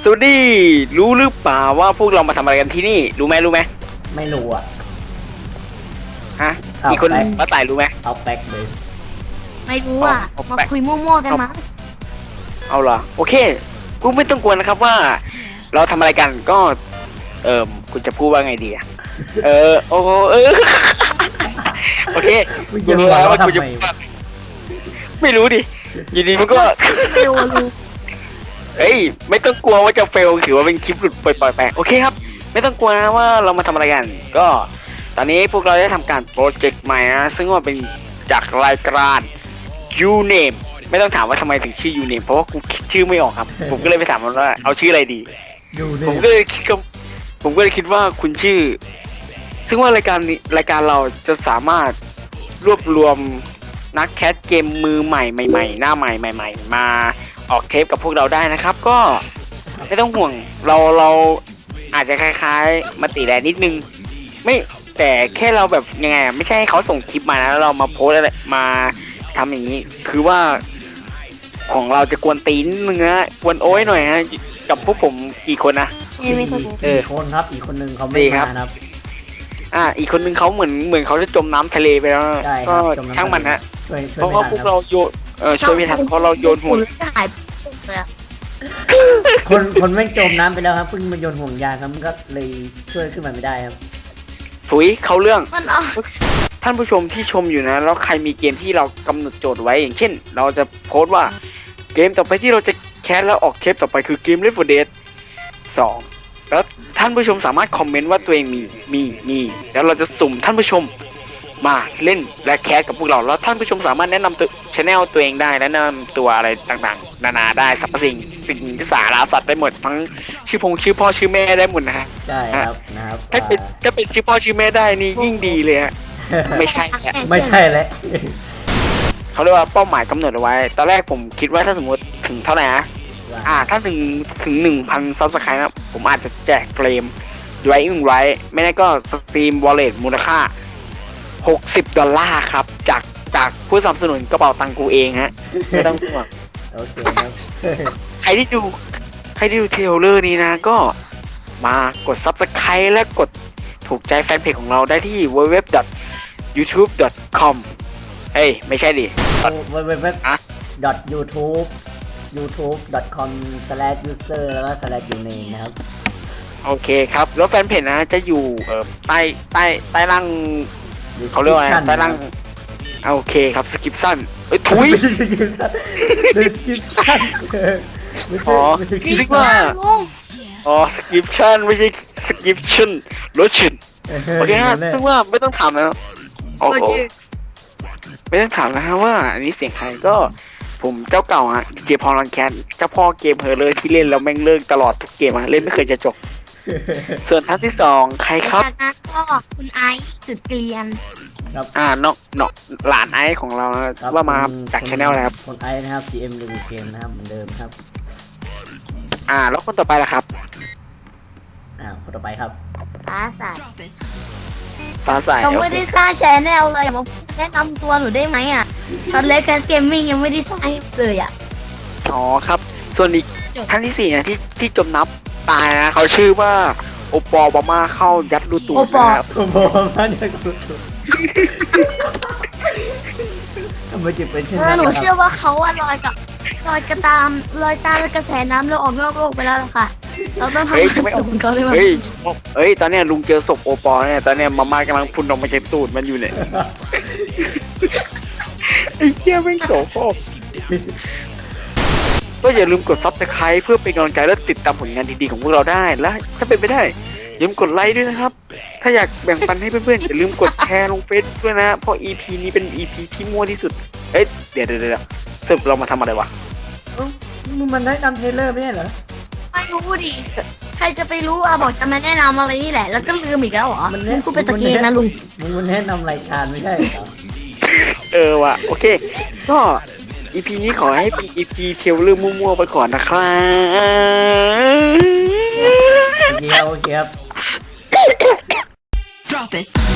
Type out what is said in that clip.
วัสดีรู้หรือเปล่าว่าพวกเรามาทำอะไรกันที่นี่รู้ไหมไม่รู้อ่ะฮะอีกคนป้าต่ายรู้ไหมเอาแป๊กเลยไม่รู้อ่ะเอามาไปคุยมั่วๆกันมั้งเอาเหรอโอเคกูไม่ต้องกลัวนะครับว่า เราทำอะไรกันก็คุณจะพูดว่าไงดีอะโอ้โอเคกูรู้แล้วว่ากูจะไม่รู้ดิอยู่ดีมันก็ไม่รู้รู้เฮ้ยไม่ต้องกลัวว่าจะเฟลถือว่าเป็นคลิปหลุดปล่อยๆไปโอเคครับไม่ต้องกลัวนะว่าเรามาทำอะไรกันก็ตอนนี้พวกเราได้ทำการโปรเจกต์ใหม่นะซึ่งว่าเป็นจากรายการ You Name ไม่ต้องถามว่าทำไมถึงชื่อ You Name เพราะว่ากูคิดชื่อไม่ออกครับ ผมก็เลยไปถามมันว่าเอาชื่ออะไรดีอยู่ในผมก็เลยคิดว่าคุณชื่อ ซึ่งว่ารายการเราจะสามารถรวบรวมนักแคสเกมมือใหม่ใหม่ๆหน้าใหม่ใหม่ๆมาออกเทปกับพวกเราได้นะครับ ก็ไม่ต้องห่วงเราอาจจะคล้ายๆมาติแลนิดนึงไม่แต่แค่เราแบบยังไงไม่ใช่ให้เขาส่งคลิปมานะแล้วเรามาโพสอะไรมาทำอย่างนี้ คือว่าของเราจะกวนตีนนึงนะกวนโอ้ยหน่อยนะกับพวกผมกี่คนนะใช่ไม่เคยรู้สี่คนครับอีกคนนึงเขาไม่สี่ครัมาบครับอีกคนนึงเขาเหมือนเขาจะจมน้ำทะเลไปแล้วนะใช่คก็รับจำช่างมันฮะช่วยเพราะว่าพวกเราโยนช่วยไม่ทันเพราะเราโยนห่วงหายเลยอะคนไม่จมน้ำไปแล้วครับเพิ่งมาโยนห่วงยางครับมันก็เลยช่วยขึ้นมาไม่ได้ครับถุยเขาเรื่องมันเอาท่านผู้ชมที่ชมอยู่นะแล้วใครมีเกมที่เรากำหนดโจทย์ไว้อย่างเช่น เราจะโพสต์ว่าเกมต่อไปที่เราจะแคสแล้วออกเทปต่อไปคือเกม Left 4 Dead 2แล้วท่านผู้ชมสามารถคอมเมนต์ว่าตัวเองมีแล้วเราจะสุ่มท่านผู้ชมมาเล่นและแคสกับพวกเราแล้วท่านผู้ชมสามารถแนะนำตัวชแนลตัวเองได้แนะนำตัวอะไรต่างๆนานาได้สรรพสิ่งที่สาระสัตว์ได้หมดทั้งชื่อพ่อชื่อแม่ได้หมดนะฮะใช่ครับนะครับถ้าเป็นชื่อพ่อชื่อแม่ได้นี่ยิ่งดีเลยฮะไม่ใช่ฮะไม่ใช่แล้วเขาเรียกว่าเป้าหมายกำหนดเอาไว้ ตอนแรกผมคิดว่าถ้าสมมติถึงเท่าไหร่นะถ้าถึง 1,000 ซับสไครต์นะผมอาจจะแจกเฟรมไว้ไม่ได้ก็สตรีมวอลเล็ตมูลค่า$60ครับจากผู้สนับสนุนกระเป๋าตังกูเองฮะไม่ต้องห่วงโอเคครับใครที่ดูเทรลเลอร์นี้นะก็มากด Subscribe และกดถูกใจแฟนเพจของเราได้ที่ www.youtube.com เฮ้ยไม่ใช่ดิ www.youtube.com/user แล้วก็ /uname นะครับโอเคครับ แล้วแฟนเพจนะจะอยู่ใต้ล่างเขาเรียกว่าอะไรใต้ล่างโอเคครับสกิปสั้นทุยไม่ใช่ description ไม่ใช่อ๋อไม่ใช่คิดว่าลุงสกิปชั่นไม่ใช่สกิปชั่นรถชินโอเคฮะซึ่งว่าไม่ต้องถามแล้วโอ้โหไม่ต้องถามนะฮะว่าอันนี้เสียงใครก็ผมเจ้าเก่าฮะเจพอลังแคทเจ้าพ่อเกมเฮอร์เลยที่เล่นแล้วแม่งเลิกตลอดทุกเกมเล่นไม่เคยจะจบ ส่วนท่านที่สองใครครับจากนั้นก็คุณไอซ์สุดเกลียนครับน้องหลานไอซ์ของเรานะว่ามาจากชาแนลอะไรครับคนไอซ์นะครับ GM รีวิวเกมนะครับเหมือนเดิมครับแล้วคนต่อไปล่ะครับคนต่อไปครับฟ้าใสฟ้าใสเราไม่ได้สร้างแชนแนลเลยมาแนะนำตัวหนูได้ไหมอ่ะช็อตเล็กแคสเกมมิ่งยังไม่ได้สร้างเลยอ่ะอ๋อครับ ส่วนอีกท่านที่สี่นะที่จมน้ำตายนะเขาชื่อว่าโอปอลบามาเข้ายัดรูตูดนะครับโอ้โหมาจากกูทำไมจึงเป็นเช่นนั้นหนูคเชื่รัอบ ว่าเขาอะลอยตามกระแสน้ำแล้วออกนอกโลกไปแล้วล่ะค่ะ เราต้องทำเฮ้ยให้สูงเขาเลยมั้เฮ้ยตอนเนี้ยลุงเจอศพโอปอลเนี่ยตอนเนี้ยมาม่ากำลังพุ่นออกมาจากตูดมันอยู่เนี่ยไอ้เหี้ยแม่งโสโครกก็อย่าลืมกด Subscribe เพื่อเป็นกำลังใจและติดตามผลงานดีๆของพวกเราได้และถ้าเป็นไปได้อย่าลืมกดไลค์ด้วยนะครับ ถ้าอยากแบ่งปันให้เพื่อนๆอย่าลืมกดแชร์ลงเฟซด้วยนะเพราะ EP นี้เป็น EP ที่มั่วที่สุดเดี๋ยวสรุปเรามาทำอะไรวะมันได้นำเทรลเลอร์ไม่ใช่เหรอไม่รู้ดิใครจะไปรู้อะบอกจะมาแนะนำอะไรนี่แหละ แล้วก็ลืมอีกแล้วเหรอลุงกูเป็นตะเกียงนะลุงมันแนะนำรายการไม่ใช่เหรอว่ะโอเคก็ EP นี้ขอให้เป็น EP เทรลเลอร์มั่วๆไปก่อนนะครับโอเคครับ Drop it.